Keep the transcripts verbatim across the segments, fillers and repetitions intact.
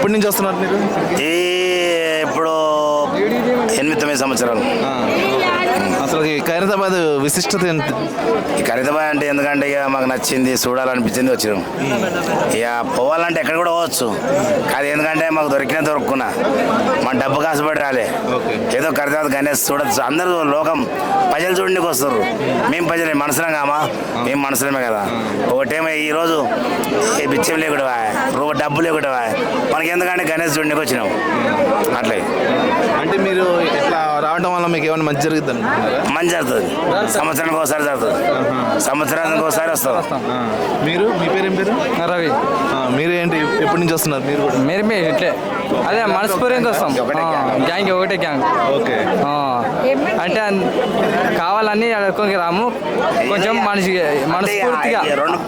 ఎప్పటి నుంచి వస్తున్నారు మీరు? ఈ ఇప్పుడు ఎనిమిది తొమ్మిది సంవత్సరాలు. అసలు ఈ ఖైరతాబాద్ విశిష్టత ఏంటి? ఈ ఖరీదాబాద్ అంటే ఎందుకంటే ఇక మాకు నచ్చింది, చూడాలనిపించింది, వచ్చినాం. ఇక పోవాలంటే ఎక్కడ కూడా పోవచ్చు, కానీ ఎందుకంటే మాకు దొరికినా దొరుకున్నా మన డబ్బు కాసుపడి రాలే. ఏదో ఖరీదాబాద్ గణేష్ చూడచ్చు, అందరూ లోకం ప్రజలు చూడడానికి వస్తారు. మేము ప్రజలే, మనసులం కామా, మేము మనసులమే కదా. ఒకటేమో ఈరోజు ఈ బిచ్చం లేకుండా రూప డబ్బు లేకుండా మనకి ఎందుకంటే గణేష్ చూడడానికి వచ్చినాం. అట్లే అంటే మీరు ఇట్లా రావడం వల్ల మీకు ఏమైనా మంచి జరుగుతుంది అనుకుంటున్నారా? మంచి జరుగుతుంది, సంవత్సరానికి ఒకసారి జరుగుతుంది, సంవత్సరానికి ఒకసారి వస్తాం. మీరు మీ పేరు ఏం పేరు? రవి. మీరు ఏంటి ఎప్పటి నుంచి వస్తున్నారు? మీరు కూడా మీరు మీ ఇట్లే అదే మనస్ఫూర్తిగా వస్తాం. గ్యాంగ్ ఒకటే గ్యాంగ్. ఓకే. అంటే కావాలని అడుక్కోకి రాము, కొంచెం మనిషి మనస్ఫూర్తిగా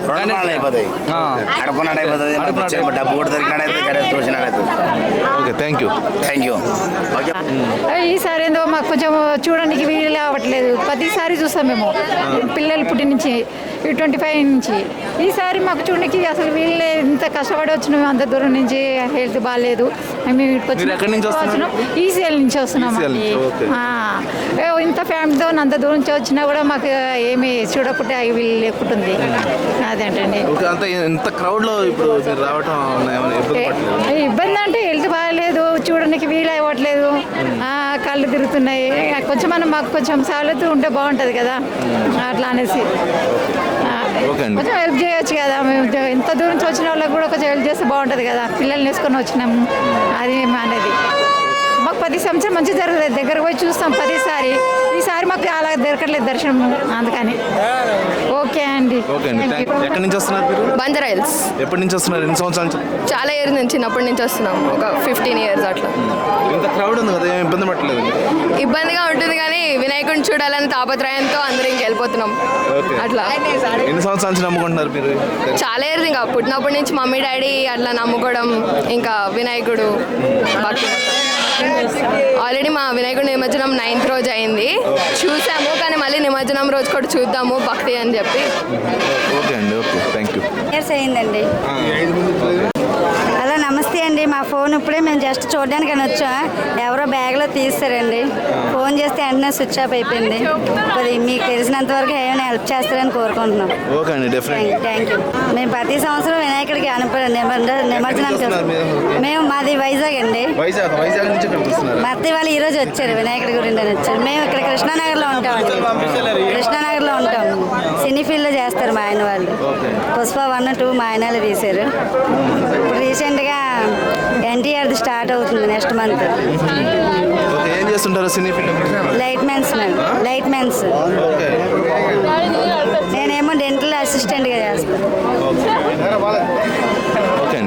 డబ్బు కూడా దొరికినాడైతే గణేష్ చూసినాడైతే. Okay, thank you. Thank you. ఈసారి ఏందో మాకు కొంచెం చూడడానికి వీలు అవ్వట్లేదు. ప్రతిసారి చూస్తాం మేము పిల్లలు పుట్టి నుంచి ట్వంటీ ఫైవ్ నుంచి. ఈసారి మాకు చూడడానికి అసలు వీళ్ళే ఇంత కష్టపడి వచ్చినాం, అంత దూరం నుంచి. హెల్త్ బాగాలేదు, మేము ఇక్కడికి వచ్చినాం. ఈసీఎల్ నుంచి వస్తున్నాం. ఇంత ఫ్యామిలీతో అంత దూరం నుంచి వచ్చినా కూడా మాకు ఏమి చూడకుంటే వీళ్ళు లేకుంటుంది. అదేంటండి ఇంత క్రౌడ్ లో ఇప్పుడు రావటం ఇబ్బంది అంటే హెల్త్ బాగాలేదు, చూడడానికి వీలు అవ్వట్లేదు, కళ్ళు తిరుగుతున్నాయి. కొంచెం మనం మాకు కొంచెం సవలతు ఉంటే బాగుంటుంది కదా, అట్లా అనేసి కొంచెం హెల్ప్ చేయొచ్చు కదా. మేము ఇంత దూరం నుంచి వచ్చిన వాళ్ళకి కూడా కొంచెం హెల్ప్ చేస్తే బాగుంటుంది కదా. పిల్లల్ని వేసుకొని వచ్చినాము, అది అనేది మాకు ప్రతి సంవత్సరం మంచి జరుగుతుంది. దగ్గరకు పోయి చూస్తాం ప్రతిసారి. ఈసారి మాకు అలా దొరకట్లేదు దర్శనం, అందుకని. ఓకే అండి. ఎక్కడి నుంచి వస్తున్నారు మీరు? బంజారా హిల్స్. ఎప్పటి నుంచి వస్తున్నారు? ఎన్ని సంవత్సరాల నుంచి? చాలా ఇయర్స్ నుంచి, చిన్నప్పటి నుంచి వస్తున్నాం, ఒక ఫిఫ్టీన్ ఇయర్స్ అట్లా. ఇంత క్రౌడ్ ఉంది కదా, ఏం ఇబ్బంది పట్టలేదు? ఇబ్బందిగా ఉంటుంది కానీ వినాయకుడిని చూడాలని తాపత్రయంతో అందరూ ఇంక వెళ్ళిపోతున్నాం అట్లా. ఎన్ని సంవత్సరాల నుంచి నమ్ముకుంటున్నారు మీరు? చాలా ఇయర్స్, ఇంకా పుట్టినప్పటి నుంచి మమ్మీ డాడీ అట్లా నమ్ముకోవడం, ఇంకా వినాయకుడు భక్తి. ఆల్రెడీ మా వినాయకుడు నిమజ్జనం నైన్త్ రోజు అయింది, చూసాము. కానీ మళ్ళీ నిమజ్జనం రోజు కూడా చూద్దాము భక్తి అని చెప్పి. ఓకే అండి, ఓకే, థ్యాంక్ యూ. ఇయర్స్ అయిందండి. హలో, నమస్తే అండి. మా ఫోన్ ఇప్పుడే మేము జస్ట్ చూడడానికి అని వచ్చాం, ఎవరో బ్యాగ్లో తీస్తారండి. ఫోన్ చేస్తే వెంటనే స్విచ్ ఆఫ్ అయిపోయింది. అది మీకు తెలిసినంత వరకు ఏమైనా హెల్ప్ చేస్తారని కోరుకుంటున్నాం. ఓకే అండి, డెఫినెట్లీ. Thank you. మేము ప్రతి సంవత్సరం వినాయకుడికి అనుప నిమజ్జనానికి మేము మాది వైజాగ్ అండి. మా అత్తయ్య వాళ్ళు ఈ రోజు వచ్చారు, వినాయకుడి గురించి అని వచ్చారు. మేము ఇక్కడ కృష్ణానగర్లో ఉంటామండి. కృష్ణానగర్లో ఉంటాం. సినీ ఫీల్డ్లో చేస్తారు మా ఆయన వాళ్ళు. పుష్ప వన్ టూ మా ఆయనలు తీశారు. ఇప్పుడు రీసెంట్గా ఎన్టీఆర్ది స్టార్ట్ అవుతుంది నెక్స్ట్ మంత్. ఏం చేస్తుంటారు cine field? Light mans light mans నేనేమో డెంటల్ అసిస్టెంట్గా చేస్తాను.